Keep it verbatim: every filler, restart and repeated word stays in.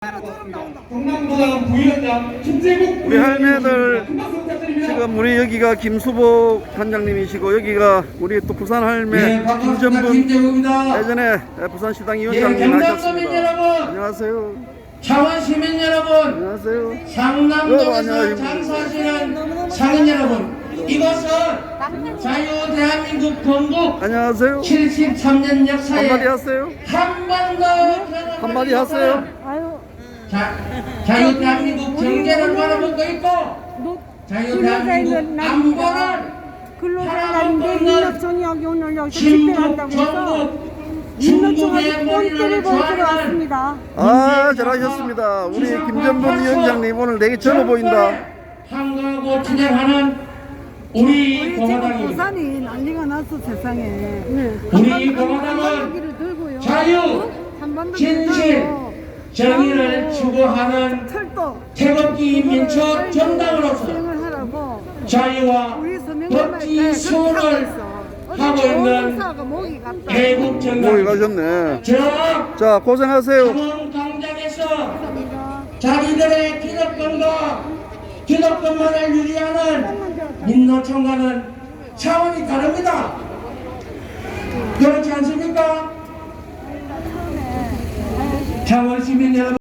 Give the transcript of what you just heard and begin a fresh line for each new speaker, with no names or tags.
경남도당 부위원장 김재국
우리 할매들 지금 우리 여기가 김수복 단장님이시고 여기가 우리 또 부산 할매
네, 반갑습니다.
김전분
김재국입니다.
예전에 부산시당
예,
위원장님
경남
하셨습니다.
시민 여러분,
안녕하세요.
창원 시민 여러분,
안녕하세요. 여러분,
상남동에서
안녕하십니까.
장사하시는 상인 여러분, 이것은 자유 대한민국 건국
안녕하세요.
칠십삼 년 역사에
한마디 하세요.
한 번도
한마디 하세요.
아유,
자유 대한민국 경제를 바라보고 있고
노,
자유 대한민국 안보를
근로자의 날인데 민노총이 여기 오늘 여기서
신북,
집회한다고 해서
전북,
민노총한테
중국의
꼴대를
머리를
보여주러
좋아하는
왔습니다.
아, 잘하셨습니다. 우리 김전분 위원장님 오늘 되게 젊어 보인다.
한가하고 진행하는 우리
우리 지금
공화당입니다.
부산이 난리가 났어 세상에. 네.
우리 공화당은
들고요.
자유,
한반도
진실,
들고요.
정의를
그리고
추구하는
철도
태극기 민초 정당으로서
수행을 하라고
자유와
우리 서명을
법치 수호를 하고 있는 애국
모이
정당.
가셨네.
저
자, 고생하세요.
창원 광장에서 자기들의 기득권과 기득권만을 유지하는 민노총과는 차원이 다릅니다. 그렇지 않습니까? 창원 시민 여러분.